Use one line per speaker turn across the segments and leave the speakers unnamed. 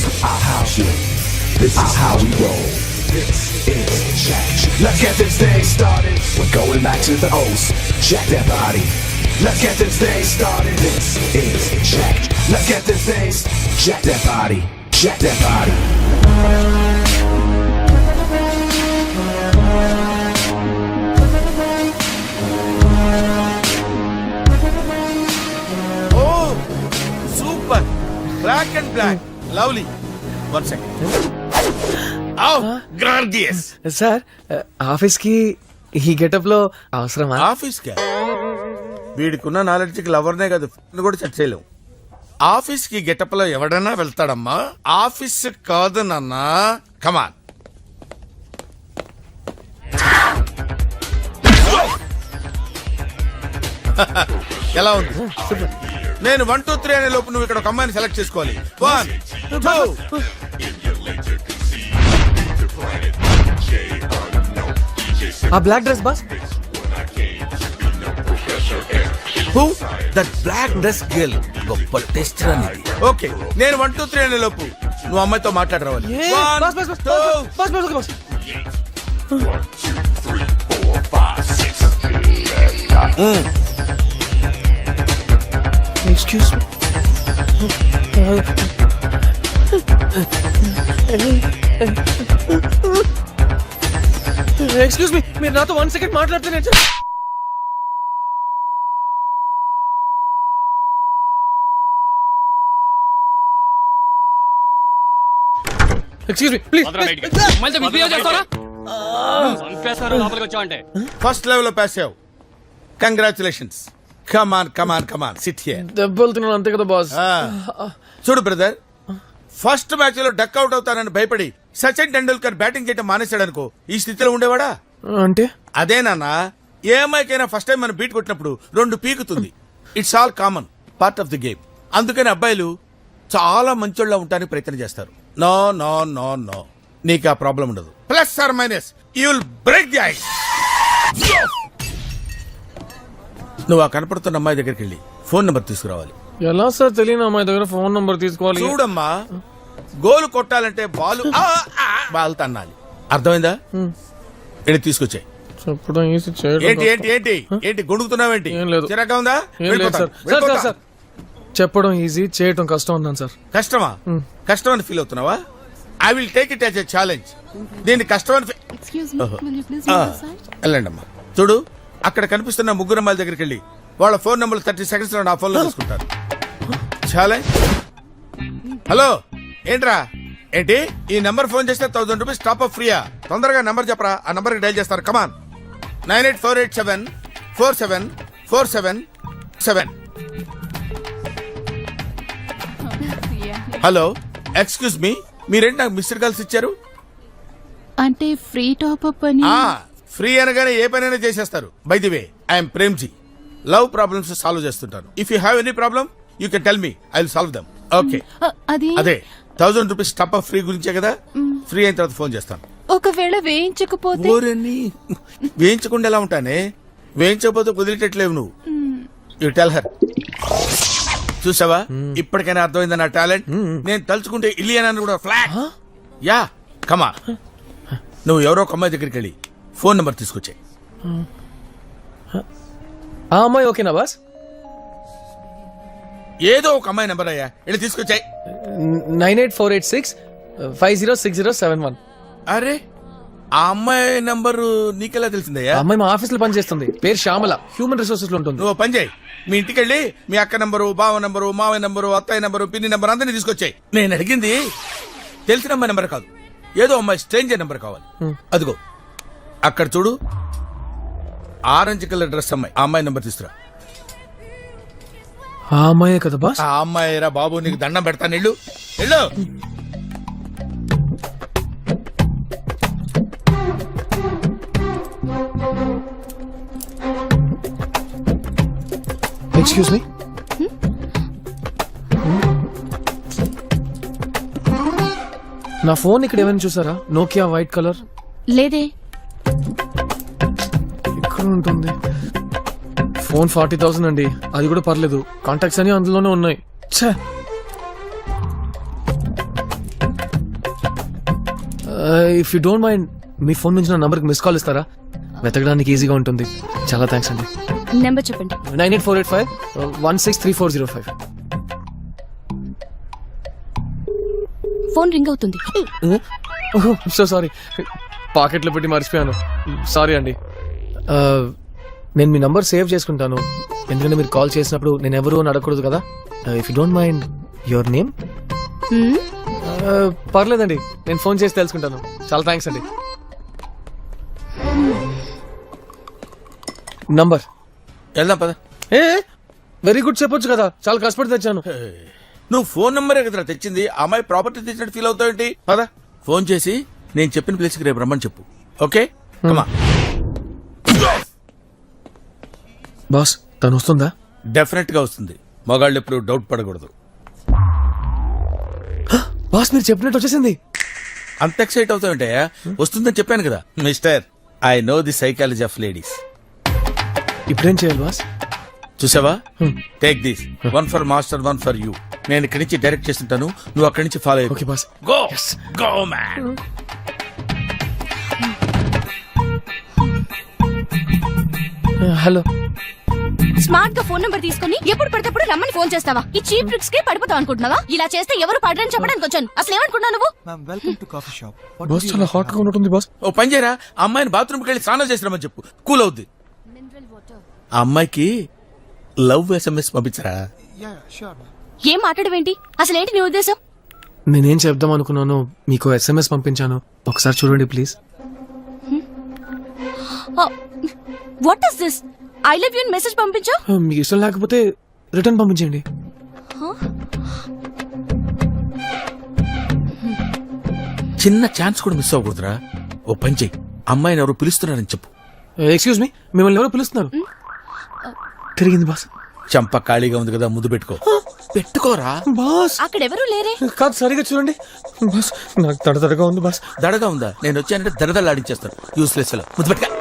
our house shit. This is how we roll. This is Jack. Let's get this thing started. We're going back to the O's. Jack that body. Let's get this thing started. This is Jack. Let's get this thing. Jack that body. Jack that body.
Oh, super. Black and black. Lovely. 1 second. Oh, gorgeous.
Sir office కి ఈ getup లో అవసరమా?
Office కా వీడికున్న knowledge కి లవర్నే కాదు కూడా set చేయలేం. Office కి గెటప్ లో ఎవడన్నా వెళ్తాడమ్మా. ఆఫీస్ కాదు నాన్న. కమాన్. ఎలా ఉంది? నేను 1 2 3 అనే లోపు నువ్వు ఇక్కడ ఒక అమ్మాయిని సెలెక్ట్ చేసుకోవాలి. 1 2.
ఆ black dress boss.
Who? That black dress girl. గొప్ప టెస్ట్ అనేది. ఓకే నేను 1 2 3 అనే లోపు నువ్వు అమ్మాయితో మాట్లాడరావాలి. 1 2
ఎక్స్క్యూజ్ ఎక్స్క్యూజ్ మీ, మీరు నాతో 1 సెకండ్ మాట్లాడుతున్నారు. Excuse me please.
First level లో పాస్ అయ్యావు. Congratulations. Come on come on come on sit here.
దెబ్బలుతున్నాను అంతే కదా బాస్.
చూడు బ్రదర్, ఫస్ట్ మ్యాచ్ లో డక్ అవుట్ అవుతానని భయపడి సచిన్ టెండూల్కర్ బ్యాటింగ్ చేయడం మానేశాడు అనుకో, ఈ స్థితిలో ఉండేవాడా?
అంటే
అదేనా, ఏ అమ్మాయికైనా ఫస్ట్ టైం మనం బీట్ కొట్టినప్పుడు 2 పీకుతుంది. It's all common part of the game. అందుకని అబ్బాయిలు చాలా మంచోళ్ళ ఉండడానికి ప్రయత్నం చేస్తారు. నో నో నో నో, నీకు ఆ ప్రాబ్లం ఉండదు. Plus or minus you will break the ice. నువ్వు ఆ కనపడుతున్న అమ్మాయి దగ్గరికి వెళ్ళి ఫోన్ నెంబర్ తీసుకురావాలి.
ఎలా సార్ తెలియని అమ్మాయి దగ్గర ఫోన్ నంబర్ తీసుకోవాలి?
చూడమ్మా, గోలు కొట్టాలంటే బాల్ తన్నాలి. అర్థమైందా? వెళ్ళి తీసుకొచ్చాయి.
చెప్పడం ఈజీ, చేయడం
ఏంటి ఏంటి ఏంటి ఏంటి గొడుగుతున్నావేంటి?
ఏం లేదు.
చిరాగా ఉందా?
ఏం లేదు సార్. సార్ సార్ చెప్పడం ఈజీ, చేయటం కష్టం అన్నాను సార్.
కష్టమా? కష్టం అని ఫీల్ అవుతున్నావా? I will take it as a challenge. దీన్ని కష్టం అని వెళ్ళండి అమ్మా. చూడు, అక్కడ కనిపిస్తున్న 3 అమ్మాయిల దగ్గరికి వెళ్ళి వాళ్ళ ఫోన్ నెంబర్ 30 seconds లో నా ఫోన్ లో తీసుకుంటారు. ఛాలెంజ్. హలో, ఏంట్రా? ఏంటి ఈ నెంబర్ ఫోన్ చేస్తే 1000 రూపీస్ టాప్ అప్ ఫ్రీయా? తొందరగా నెంబర్ చెప్పరా, ఆ నెంబర్ కి డైల్ చేస్తారు. కమాన్. 9848747477. హలో, ఎక్స్క్యూజ్ మీ, మీరేంటి నాకు మిస్డ్ కాల్స్ ఇచ్చారు?
అంటే ఫ్రీ టాప్ అప్ అని.
ఫ్రీ అనగానే ఏ పనైనా చేసేస్తారు. By the way, I'm Premji. Love problems solve చేస్తుంటాను. If you have any problem you can tell me, I will solve them. Okay, అదే 1000 రూపీస్ టాప్ అప్ ఫ్రీ గురించే కదా. ఫ్రీ అయిన తర్వాత ఫోన్ చేస్తాను.
ఒకవేళ వేయించకపోతే?
వేయించకుండా ఎలా ఉంటానే? వేయించకపోతే కుదిరేటట్లేవు నువ్వు. You tell her. చూసావా, ఇప్పటికైనా అర్థమైందా నా టాలెంట్? నేను తలుచుకుంటే ఇలియన్ కూడా ఫ్లాట్. యా, కమా. నువ్వు ఎవరో ఒక అమ్మాయి దగ్గరికి వెళ్ళి ఫోన్ నెంబర్ తీసుకొచ్చాయి.
ఆ అమ్మాయి ఓకేనా బాస్?
ఏదో ఒక అమ్మాయి నెంబర్ అయ్యా, వెళ్ళి తీసుకొచ్చాయి.
9848650607.
అరే, ఆ అమ్మాయి నంబరు నీకెలా తెలిసిందయ్యా?
అమ్మాయి మా ఆఫీస్ లో పనిచేస్తుంది. పేరు శ్యామల, హ్యూమన్ రిసోర్సెస్ లో ఉంటుంది.
నువ్వు పని చేయి, మీ ఇంటికి వెళ్ళి మీ అక్క నంబరు, బావ నంబరు, మావయ్య నంబరు, అత్తయ్య నంబరు, పిన్ని నంబరు అందరినీ తీసుకొచ్చాయి. నేను అడిగింది తెలిసిన అమ్మాయి నెంబర్ కాదు, ఏదో అమ్మాయి స్ట్రేంజర్ నెంబర్ కావాలి. అదిగో అక్కడ చూడు, ఆరెంజ్ కలర్ డ్రెస్ అమ్మాయి. ఆ అమ్మాయి నెంబర్ తీసుకురా.
ఆ అమ్మాయే కదా బాస్?
ఆ అమ్మాయి రా బాబు, నీకు దండం పెడతాను. వెళ్ళు వెళ్ళు.
ఎక్స్క్యూజ్ మీ, నా ఫోన్ ఇక్కడ ఏమైనా చూసారా? Nokia white colour.
లేదే.
ఇక్కడ ఉంటుంది. ఫోన్ 40,000 అండి. అది కూడా పర్లేదు, కాంటాక్ట్స్ అని అందులోనే ఉన్నాయి. ఛే, ఇఫ్ యూ డోంట్ మైండ్ మీ ఫోన్ నుంచి నా నంబర్కి మిస్ కాల్ ఇస్తారా? వెతకడానికి ఈజీగా ఉంటుంది. చాలా థ్యాంక్స్ అండి.
నెంబర్ చెప్పండి.
9848516340
ఫోన్ రింగ్ అవుతుంది.
సో సారీ, పాకెట్లో పెట్టి మర్చిపోయాను. సారీ అండి. నేను మీ నంబర్ సేవ్ చేసుకుంటాను, ఎందుకంటే మీరు కాల్ చేసినప్పుడు నేను ఎవరు అని అడగకూడదు కదా. If you don't mind your name? పర్లేదండి, నేను ఫోన్ చేసి తెలుసుకుంటాను. చాలా థ్యాంక్స్ అండి. నంబర్
వెళ్దాం పద.
వెరీ గుడ్ చెప్పొచ్చు కదా, చాలా కష్టపడి తెచ్చాను.
నువ్వు ఫోన్ నంబరే కదరా తెచ్చింది, ఆ అమ్మాయి ప్రాపర్టీ తెచ్చినట్టు ఫీల్ అవుతావేంటి? పద ఫోన్ చేసి నేను చెప్పిన ప్లేస్కి రేపు రమ్మని చెప్పు. ఓకే కమా.
బాస్ తను వస్తుందా?
డెఫినెట్ గా వస్తుంది. మగాళ్ళు ఎప్పుడు డౌట్ పడకూడదు.
బాస్ మీరు చెప్పినట్టు వచ్చేసింది.
అంత ఎక్సైట్ అవుతావంటే వస్తుందని చెప్పాను కదా mister. I know the psychology of ladies.
ఇప్పుడేం చేయాలి బాస్?
చూసావా, take this, one for master, one for you. నేను ఇక్కడి నుంచి డైరెక్ట్ చేస్తుంటాను, నువ్వు అక్కడి నుంచి follow
okay boss.
Go go man.
Hello.
Smart గా ఫోన్ నంబర్ తీసుకుని ఎప్పుడు పడితే రమ్మని ఫోన్ చేస్తావా? ఈ చీప్ ట్రిక్స్ కి పడిపోతావు అనుకుంటున్నావా? ఇలా చేస్తే ఎవరు పడరని చెప్పడానికి వచ్చాను. అసలు ఏమనుకున్నావు నువ్వు?
బాస్ చాలా హాట్ గా ఉంటుంది బాస్.
ఓ పని చేయరా, ఆ అమ్మాయిని బాత్రూమ్కి వెళ్ళి స్నానం చేసినామని చెప్పు, కూల్ అవుద్ది. ఆ అమ్మాయికి లవ్ SMS పంపించరా.
ఏం మాట్లాడవేంటి? అసలు ఏంటి నీ ఉద్దేశం?
నేనేం చెప్దాం అనుకున్నాను, మీకు SMS పంపించాను, ఒకసారి చూడండి please.
What is this? I love you message పంపించావు.
మీకు ఇష్టం లేకపోతే రిటర్న్ పంపించండి.
చిన్న ఛాన్స్ కూడా మిస్ అవ్వకూడదురా. ఓ పని చెయ్యి, అమ్మాయిని ఎవరు పిలుస్తున్నారని చెప్పు.
ఎక్స్క్యూజ్ మీ, మిమ్మల్ని ఎవరో పిలుస్తున్నారు. తిరిగింది బాస్.
చంప ఖాళీగా ఉంది కదా, ముద్దు పెట్టుకో. పెట్టుకోరా
బాస్.
అక్కడ ఎవరు లేరే.
కాదు, సరిగా చూడండి బాస్, నాకు తడతడగా ఉంది బాస్.
దడగా ఉందా? నేను వచ్చానంటే దడదలాడించేస్తాను. యూస్లెస్ లో ముద్దు పెట్టుకో.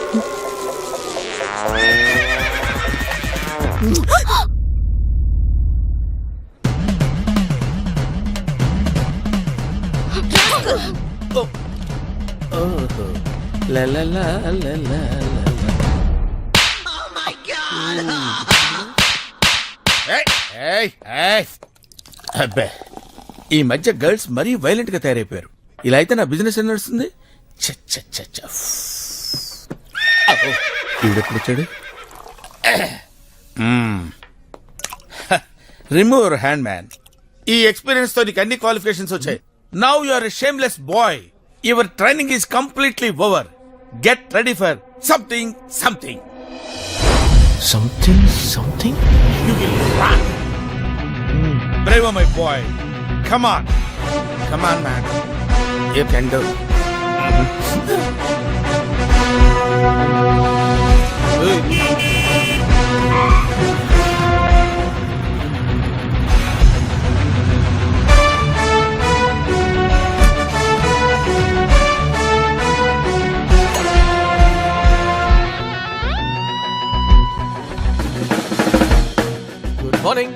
అబ్బే, ఈ మధ్య గర్ల్స్ మరీ వైలెంట్ గా తయారైపోయారు. ఇలా అయితే నా బిజినెస్ ఏం నడుస్తుంది? ఈడెప్పుడు వచ్చాడు? Remove your hand man. ఈ ఎక్స్పీరియన్స్ తో నీకు అన్ని క్వాలిఫికేషన్స్ వచ్చాయి. Now you are a shameless boy. Your training is completely over. Get ready for something something.
Something something.
You will run. Bravo, my boy. Come on. Come on, man. You can do.
Good morning.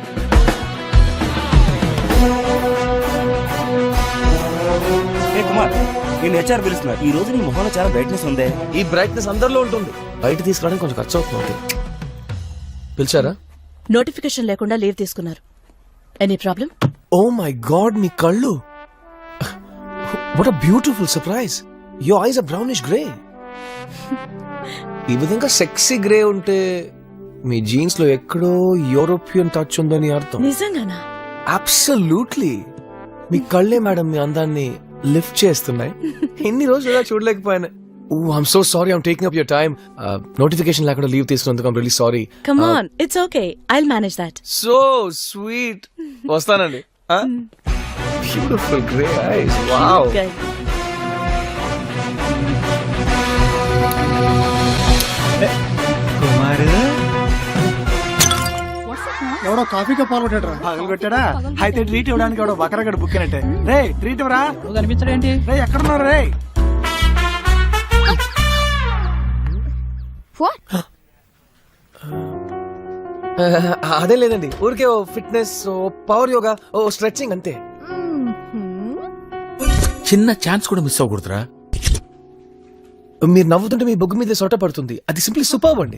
ఏ కుమార్, నేను HR పిలుస్తున్నా. ఈ రోజు నీ మొహంలో చాలా brightness ఉందే.
ఈ బ్రైట్నెస్ అందరిలో ఉంటుంది, బయట తీసుకురావడానికి కొంచెం ఖర్చు అవుతుంది. పిలిచారా?
నోటిఫికేషన్ లేకుండా లీవ్ తీసుకున్నారు. Any problem?
Oh my god, మీ కళ్ళు! What a beautiful surprise. Your eyes are brownish grey. ఈ విధంగా సెక్సీ గ్రే ఉంటే మీ జీన్స్ లో ఎక్కడో యూరోపియన్ టచ్ ఉందని అర్థం.
నిజంగానా?
అబ్సల్యూట్లీ. మీ కళ్ళే మేడం మీ అందాన్ని లిఫ్ట్ చేస్తున్నాయి. ఎన్ని రోజులు ఇలా చూడలేకపోయాను. I'm so sorry, I'm taking up your time. Notification లేకుండా లీవ్ తీసుకున్నందుకు I'm really sorry.
Come on, it's okay, I'll manage that.
So sweet. వస్తానండి. Beautiful grey eyes. వావ్.
ఎవడో కాఫీగా పాల్గొట్టాడు పగలు పెట్టాడా? అయితే ట్రీట్ ఇవ్వడానికి ఎవడో బకరగడ బుక్ అయినట్టే. రే ట్రీట్ ఇవ్వరా? కనిపించడేంటి? రే ఎక్కడున్నారు రే?
అదే లేదండి, ఊరికే ఓ ఫిట్నెస్, ఓ పవర్ యోగా, ఓ స్ట్రెచింగ్ అంతే.
చిన్న ఛాన్స్ కూడా మిస్ అవ్వకూడదురా.
మీరు నవ్వుతుంటే మీ బొగ్గు మీద సొట్ట పడుతుంది. అది సింప్లీ సూపర్బ్ అండి.